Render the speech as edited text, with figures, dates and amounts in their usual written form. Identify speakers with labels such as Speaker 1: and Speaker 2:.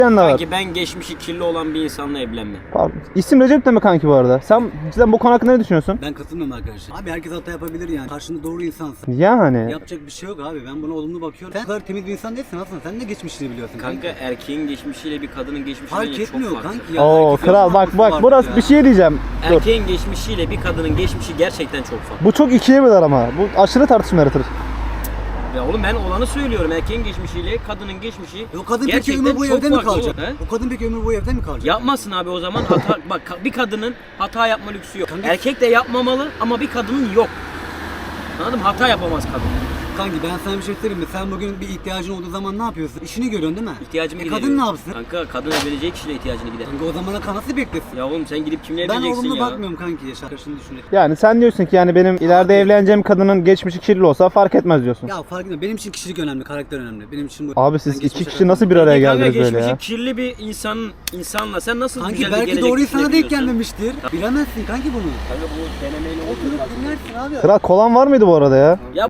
Speaker 1: de var.
Speaker 2: Kanki ben geçmişi kirli olan bir insanla evlenmem.
Speaker 1: Pardon. İsim Recep de mi kanki bu arada? Sen bu konu hakkında ne düşünüyorsun?
Speaker 3: Ben katılmıyorum arkadaşlar. Abi herkes hata yapabilir yani. Karşında doğru insansın.
Speaker 1: Yani.
Speaker 3: Yapacak bir şey yok abi. Ben buna olumlu bakıyorum. Sen kadar temiz bir insan değilsin aslında. Sen de geçmişini biliyorsun.
Speaker 2: Kanka erkeğin geçmişiyle bir kadının geçmişi
Speaker 3: Fark
Speaker 2: bence çok
Speaker 3: etmiyor
Speaker 2: farklı.
Speaker 3: kanki ya.
Speaker 1: Oo
Speaker 3: Herkesin
Speaker 1: kral bak
Speaker 3: farklı
Speaker 1: burası
Speaker 3: ya.
Speaker 1: bir şey diyeceğim. Dur.
Speaker 2: Erkeğin geçmişiyle bir kadının geçmişi gerçekten çok farklı.
Speaker 1: Bu çok ikiye böler ama. Bu aşırı tartışma yaratır.
Speaker 2: Ya oğlum ben olanı söylüyorum. Erkeğin geçmişiyle kadının geçmişi
Speaker 3: O kadın peki
Speaker 2: gerçekten
Speaker 3: ömür boyu
Speaker 2: çok
Speaker 3: evde mi
Speaker 2: farklı
Speaker 3: kalacak?
Speaker 2: oğlum, he?
Speaker 3: O kadın peki ömür boyu evde mi kalacak?
Speaker 2: Yapmasın abi o zaman hata bak bir kadının hata yapma lüksü yok.
Speaker 3: Kanka-
Speaker 2: Erkek de yapmamalı ama bir kadının yok. Anladın mı? Hata yapamaz kadın.
Speaker 3: Kanki ben sana bir şey söyleyeyim mi? Sen bugün bir ihtiyacın olduğu zaman ne yapıyorsun? İşini görüyorsun değil mi?
Speaker 2: İhtiyacımı
Speaker 3: Kadın
Speaker 2: gideriyorum.
Speaker 3: ne yapsın?
Speaker 2: Kanka kadın evleneceği kişiyle ihtiyacını gider.
Speaker 3: Kanka o zamana kadar nasıl beklesin?
Speaker 2: Ya oğlum sen gidip kimle
Speaker 3: Ben
Speaker 2: evleneceksin
Speaker 3: olumlu
Speaker 2: ya?
Speaker 3: bakmıyorum kanki yaşa. Karşını düşünerek.
Speaker 1: Yani sen diyorsun ki yani benim ileride evleneceğim kadının geçmişi kirli olsa fark etmez diyorsun.
Speaker 3: Ya fark etmiyor. Benim için kişilik önemli, karakter önemli. Benim için bu.
Speaker 1: Abi
Speaker 3: Ben
Speaker 1: siz iki
Speaker 3: geçmişe
Speaker 1: kişi nasıl bir araya
Speaker 2: Kanka
Speaker 1: geldiniz böyle
Speaker 2: geçmişi
Speaker 1: ya?
Speaker 2: kirli bir insanla sen nasıl
Speaker 3: Kanki
Speaker 2: güzel bir
Speaker 3: belki
Speaker 2: gelecek
Speaker 3: doğru insana denk
Speaker 2: düşünebiliyorsun?
Speaker 3: gelmemiştir. Bilemezsin kanki bunu.
Speaker 2: Kanka bu denemeyle
Speaker 3: Oturup dinlersin abi.
Speaker 1: Kral kolan var mıydı bu arada ya?
Speaker 2: Ya